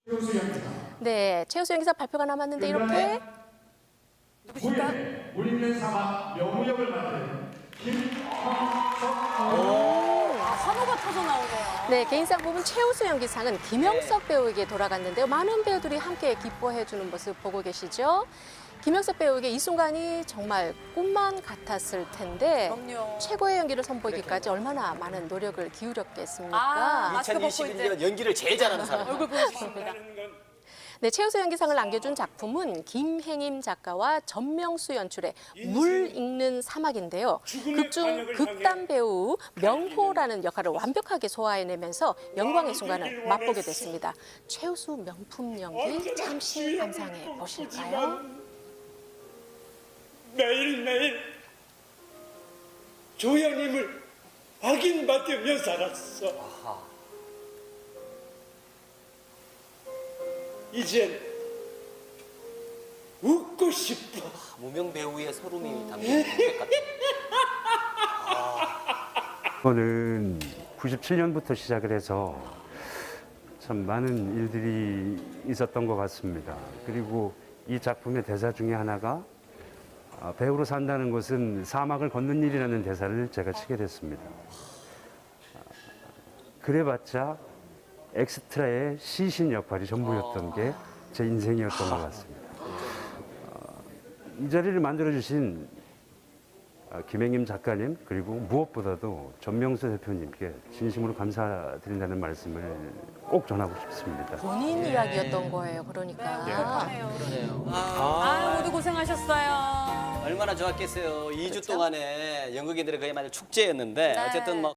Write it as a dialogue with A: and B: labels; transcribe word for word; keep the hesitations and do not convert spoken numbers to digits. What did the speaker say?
A: 최우수 연기사.
B: 네, 최우수 연기사 발표가 남았는데 이렇게
A: 누구실까? 우리는 사막 명우역을 맡은 김형석.
C: 아, 환호가 터져 나오네요.
B: 네, 개인상 부분 최우수 연기상은 김영석 배우에게 돌아갔는데요. 많은 배우들이 함께 기뻐해주는 모습 보고 계시죠? 김영석 배우에게 이 순간이 정말 꿈만 같았을 텐데
C: 그럼요.
B: 최고의 연기를 선보이기까지 얼마나 많은 노력을 기울였겠습니까?
C: 아, 마스크 벗고
D: 이천이십일 년
C: 이제
D: 연기를 제일 잘하는 사람.
C: 얼굴 보여주십니다.
B: 네, 최우수 연기상을 안겨준 작품은 김행임 작가와 전명수 연출의 물 읽는 사막인데요. 극중 극단 배우 명호라는 역할을 완벽하게 소화해내면서 영광의 순간을 맛보게 됐습니다. 최우수 명품 연기 잠시 감상해 보실까요?
E: 매일매일 조양님을 확인받으며 살았어. 이젠 웃고 싶어.
D: 무명 배우의 서름이 담긴 것 같아요.
F: 이거는 구십칠 년부터 시작을 해서 참 많은 일들이 있었던 것 같습니다. 그리고 이 작품의 대사 중에 하나가 아, 배우로 산다는 것은 사막을 걷는 일이라는 대사를 제가 치게 됐습니다. 아, 그래봤자 엑스트라의 시신 역할이 전부였던 게 제 인생이었던 것 같습니다. 어, 이 자리를 만들어주신 아, 김행임 작가님 그리고 무엇보다도 전명수 대표님께 진심으로 감사드린다는 말씀을 꼭 전하고 싶습니다.
B: 본인 이야기였던 거예요, 그러니까.
D: 그러네요.
C: 아유, 모두 고생하셨어요.
D: 얼마나 좋았겠어요. 이 주 동안에 연극인들의 그야말로 축제였는데
C: 네.
D: 어쨌든 뭐